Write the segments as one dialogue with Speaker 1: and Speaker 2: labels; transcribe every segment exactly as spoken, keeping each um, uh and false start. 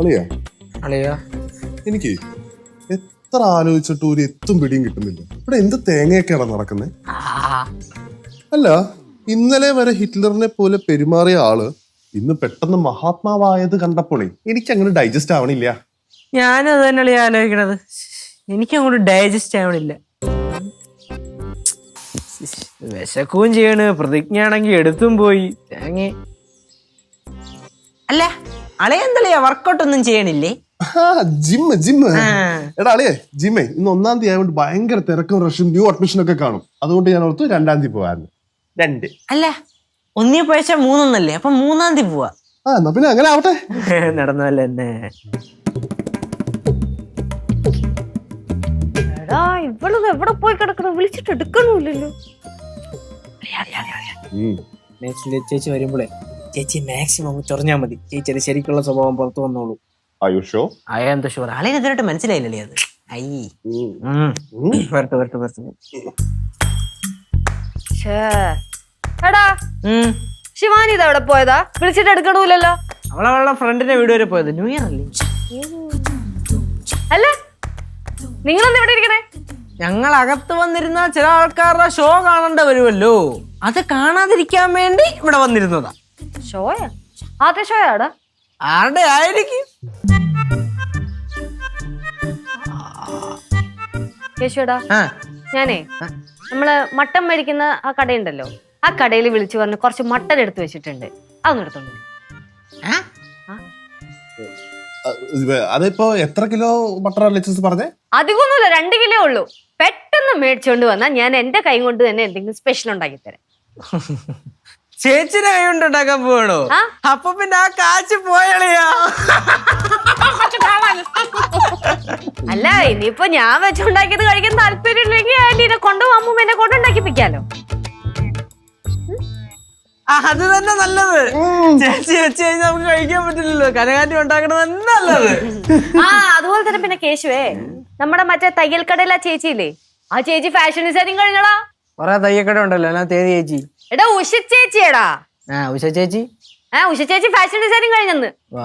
Speaker 1: അളിയാ
Speaker 2: അളിയാ
Speaker 1: എനിക്ക് എത്ര ആലോചിച്ചിട്ട് ഒരു എത്തും പിടിയും കിട്ടുന്നില്ല. ഇവിടെ എന്ത് തേങ്ങയൊക്കെയാണ് നടക്കുന്നത്? അല്ല, ഇന്നലെ വരെ ഹിറ്റ്ലറിനെ പോലെ പെരുമാറിയ ആള് ഇന്ന് പെട്ടെന്ന് മഹാത്മാവായത് കണ്ടപ്പോഴേ എനിക്ക് അങ്ങനെ ഡൈജസ്റ്റ് ആവണില്ല.
Speaker 2: ഞാനും അത് തന്നെയാണ് ആലോചിക്കണത്. എനിക്കങ്ങോട്ട് ഡൈജസ്റ്റ് ആവണില്ല. വിശക്കുകയും ചെയ്യണ്, പ്രതിജ്ഞയാണെങ്കിൽ എടുത്തും പോയി. തേങ്ങ അല്ല അളയെന്തളിയാ വർക്കൗട്ട് ഒന്നും ചെയ്യണില്ലേ?
Speaker 1: ജിമ്മ് ജിമ്മ് എടാ അളിയേ, ജിമ്മേ ഇന്ന് ഒന്നാം തീയതി ആയതുകൊണ്ട് ഭയങ്കര തിരക്കും റഷും ന്യൂ അഡ്മിഷൻ ഒക്കെ കാണും. അതുകൊണ്ട് ഞാൻ ഓർത്തു രണ്ടാം തീയതി പോവായിരുന്നു. രണ്ട്
Speaker 2: അല്ല ഒന്നീ പഴച്ച മൂന്നൊന്നല്ലേ, അപ്പൊ മൂന്നാം തീയതി പോവാ.
Speaker 1: ആ എന്നാ പിന്നെ അങ്ങനെ ആവട്ടെ.
Speaker 2: നടന്നല്ലേ എന്നെ.
Speaker 3: എടാ ഇവളത് എവിടെ പോയി കിടക്കണം, വിളിച്ചിട്ട് എടുക്കണമില്ലല്ലോ.
Speaker 2: ചേച്ചി വരുമ്പോളേ ചേച്ചി മാക്സിമം ചൊറഞ്ഞാ മതി. ചേച്ചിയുടെ ശരിക്കുള്ള സ്വഭാവം പുറത്തു വന്നോളൂ.
Speaker 1: ആയുഷോ
Speaker 2: അയാന്ത ഷുവർ ആളെ ഇതിനായിട്ട് മനസ്സിലായില്ലേ അത്? അയ്യേ വരട്ടെ വരട്ടെ വരട്ടെ.
Speaker 3: എടാ ശിവാനി ഇത് എവിടെ പോയതാ? വിളിച്ചിട്ട് എടുക്കണമില്ലല്ലോ.
Speaker 2: അവളവളുടെ ഫ്രണ്ടിന്റെ വീട് വരെ പോയത്. ന്യൂ ഇയർ അല്ലേ?
Speaker 3: അല്ല നിങ്ങളെന്താ ഇവിടെ ഇരിക്കണേ?
Speaker 2: ഞങ്ങൾ അകത്ത് വന്നിരുന്ന ചില ആൾക്കാരുടെ ഷോ കാണേണ്ട വരുമല്ലോ, അത് കാണാതിരിക്കാൻ വേണ്ടി ഇവിടെ വന്നിരുന്നതാ.
Speaker 3: ഷോയാ? ആദ്യ ഷോയാടാ?
Speaker 2: ആരുടെ ആയിരിക്കും?
Speaker 3: കേശുടാ, ഞാനേ നമ്മള് മട്ടൻ മേടിക്കുന്ന ആ കടയുണ്ടല്ലോ, ആ കടയിൽ വിളിച്ചു പറഞ്ഞ് കുറച്ച് മട്ടൻ എടുത്തു വെച്ചിട്ടുണ്ട്, അതൊന്നും എടുത്തോണ്ട്.
Speaker 1: അതിപ്പോ എത്ര കിലോ ബട്ടർ ലെച്ചസ് പറഞ്ഞേ?
Speaker 3: അധികമൊന്നുമില്ല, രണ്ട് കിലോ ഉള്ളൂ. പെട്ടെന്ന് മേടിച്ചോണ്ട് വന്നാൽ ഞാൻ എന്റെ കൈ കൊണ്ട് തന്നെ എന്തെങ്കിലും സ്പെഷ്യൽ ഉണ്ടാക്കി തരാം.
Speaker 2: ചേച്ചിയുടെ കൈ കൊണ്ട് ഉണ്ടാക്കാൻ പോകണോ? അപ്പൊ പിന്നെ ആ കാശ് പോയളിയാ.
Speaker 3: അല്ല ഇനിയിപ്പോ ഞാൻ വെച്ചുണ്ടാക്കിയത് കഴിക്കാൻ താല്പര്യം ഇല്ലെങ്കിൽ ആന്റീനെ കൊണ്ടുപോകുമ്പോ എന്നെ കൊണ്ട് ഉണ്ടാക്കിപ്പിക്കാലോ.
Speaker 2: അത് തന്നെ നല്ലത്. ചേച്ചി വെച്ച് കഴിഞ്ഞാൽ നമുക്ക് കഴിക്കാൻ പറ്റില്ലല്ലോ, കനകാന്റി ഉണ്ടാക്കണത് തന്നെ നല്ലത്.
Speaker 3: ആ അതുപോലെ തന്നെ പിന്നെ കേശുവേ, നമ്മുടെ മറ്റേ തയ്യൽ കടയിലെ ചേച്ചിയില്ലേ, ആ ചേച്ചി ഫാഷൻ ഡിസൈനിങ് കഴിഞ്ഞടാ.
Speaker 2: കൊറേ തയ്യക്കട ഉണ്ടല്ലോ, എന്നാ തേതി ചേച്ചി?
Speaker 3: എടാ ഉഷ ചേച്ചിയടാ.
Speaker 2: ആ ഉഷ ചേച്ചി.
Speaker 3: ആ ഉഷ ചേച്ചി ഫാഷൻ ഡിസൈനിങ് കഴിഞ്ഞെന്ന്.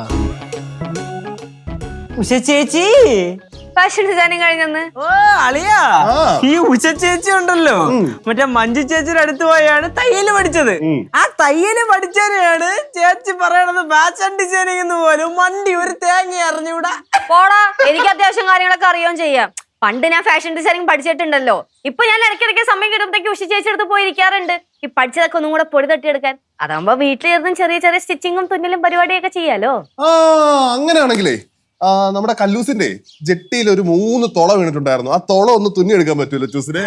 Speaker 2: ഉഷ ചേച്ചി
Speaker 3: ഫാഷൻ ഡിസൈനിങ് കഴിഞ്ഞെന്ന്.
Speaker 2: ഓ അളിയാ, ഈ ഉഷ ചേച്ചി ഉണ്ടല്ലോ മറ്റേ മഞ്ജു ചേച്ചിയുടെ അടുത്ത് പോയാണ് തയ്യല് പഠിച്ചത്. ആ തയ്യല് പഠിച്ചവരെയാണ് ചേച്ചി പറയണത് ഫാഷൻ ഡിസൈനിങ് എന്ന് പോലും മണ്ടി ഒരു തേങ്ങ അറിഞ്ഞൂടാ.
Speaker 3: പോടാ, എനിക്ക് അത്യാവശ്യം കാര്യങ്ങളൊക്കെ അറിയുകയും ചെയ്യാം. പണ്ട് ഞാൻ ഫാഷൻ ഡിസൈനിങ് പഠിച്ചിട്ടുണ്ടല്ലോ. ഇപ്പൊ ഞാൻ ഇടയ്ക്കിടയ്ക്ക് സമയം കിട്ടുമ്പോഴത്തേക്ക് ഉഷ ചേച്ചി അടുത്ത് പോയിരിക്കാറുണ്ട്, ഈ പഠിച്ചതൊക്കെ ഒന്നും കൂടെ പൊടി തട്ടിയെടുക്കാൻ. അതാകുമ്പോ വീട്ടിലിരുന്നും ചെറിയ ചെറിയ സ്റ്റിച്ചിങ്ങും തുന്നലും പരിപാടിയൊക്കെ ചെയ്യാലോ.
Speaker 1: ആ അങ്ങനെയാണെങ്കിലേ നമ്മുടെ കല്ലൂസിന്റെ ജെട്ടിയിൽ ഒരു മൂന്ന് തുള വീണിട്ടുണ്ടായിരുന്നു. ആ തുള ഒന്ന് തുന്നി എടുക്കാൻ പറ്റൂല്ലോ ചൂസിനെ?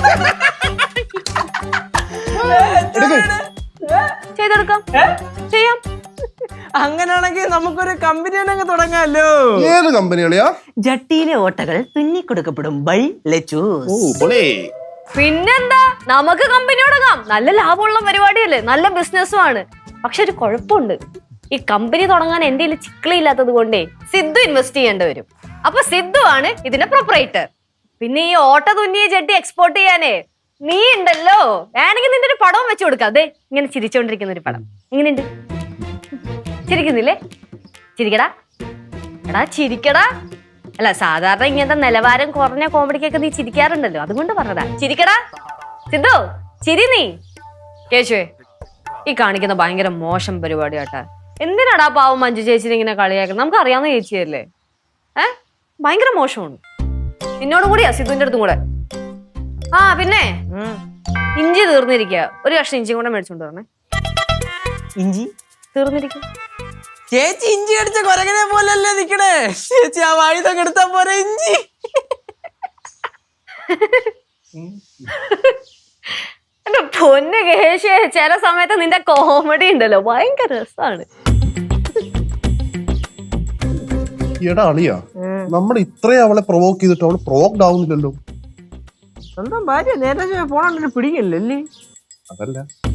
Speaker 3: ചെയ്തെടുക്കാം, ചെയ്യാം.
Speaker 2: അങ്ങനെയാണെങ്കിൽ നമുക്കൊരു കമ്പനി തന്നെ തുടങ്ങാമല്ലോ.
Speaker 1: ഏത് കമ്പനിയാളിയാ?
Speaker 2: ജട്ടിയിലെ ഓട്ടകൾ തുന്നി കൊടുക്കപ്പെടും ബൈ ലെച്ചൂസ്.
Speaker 3: പിന്നെന്താ, നമുക്ക് കമ്പനി തുടങ്ങാം. നല്ല ലാഭമുള്ള പരിപാടിയല്ലേ, നല്ല ബിസിനസ്സും ആണ്. പക്ഷെ ഒരു കുഴപ്പമുണ്ട്, ഈ കമ്പനി തുടങ്ങാൻ എന്റെ കയ്യിൽ ചിക്കിളി ഇല്ലാത്തത് കൊണ്ടേ സിദ്ധു ഇൻവെസ്റ്റ് ചെയ്യേണ്ടി വരും. അപ്പൊ സിദ്ധു ആണ് ഇതിന്റെ പ്രൊപ്പറേറ്റർ. പിന്നെ ഈ ഓട്ട തുന്നിയ ജെട്ടി എക്സ്പോർട്ട് ചെയ്യാനേ നീ ഉണ്ടല്ലോ, വേണമെങ്കിൽ നിന്റെ ഒരു പടവും വെച്ചു കൊടുക്കാം. അതെ ഇങ്ങനെ ചിരിച്ചോണ്ടിരിക്കുന്ന ഒരു പടം ഇങ്ങനെയുണ്ട്. ചിരിക്കുന്നില്ലേ? ചിരിക്കടാ എടാ, ചിരിക്കടാ. അല്ല സാധാരണ ഇങ്ങനത്തെ നിലവാരം കുറഞ്ഞ കോമഡിക്കൊക്കെ നീ ചിരിക്കാറുണ്ടല്ലോ, അതുകൊണ്ട് പറഞ്ഞതാ. ചിരിക്കടാ സിദ്ധു, ചിരി നീ. കേശുവേ, ഈ കാണിക്കുന്ന ഭയങ്കര മോശം പരിപാടി കേട്ടാ. എന്തിനാടാ പാവം മഞ്ജു ചേച്ചിനെ ഇങ്ങനെ കളിയാക്കുന്നത്? നമുക്ക് അറിയാവുന്ന ചേച്ചിയല്ലേ. ഏ ഭയങ്കര മോശമാണ്. നിന്നോടും കൂടിയാ സിദ്ധുവിന്റെ അടുത്തും കൂടെ. ആ പിന്നെ ഇഞ്ചി തീർന്നിരിക്കുക, ഒരു കഷ്ണം ഇഞ്ചി കൂടെ മേടിച്ചോണ്ട് പറഞ്ഞേ.
Speaker 2: ഇഞ്ചി
Speaker 3: തീർന്നിരിക്കും.
Speaker 2: ചേച്ചി ഇഞ്ചി കടിച്ച കൊരകനെ പോലല്ലേ നിക്കണേ. ചേച്ചി ആ വായുതൊക്കെ എടുത്താ പോരെ ഇഞ്ചി.
Speaker 3: എന്റെ പൊന്ന് കേശേ, ചില സമയത്ത് നിന്റെ കോമഡി ഉണ്ടല്ലോ ഭയങ്കര രസാണ്.
Speaker 1: എടാ അളിയാ, നമ്മൾ ഇത്രയും അവളെ പ്രൊവോക്ക് ചെയ്തിട്ട് അവള് പ്രൊവോക്ഡ് ആവുന്നില്ലല്ലോ.
Speaker 2: സ്വന്തം ഭാര്യ നേരെ പോണ പിടിക്കല്ലേ?
Speaker 1: അതല്ല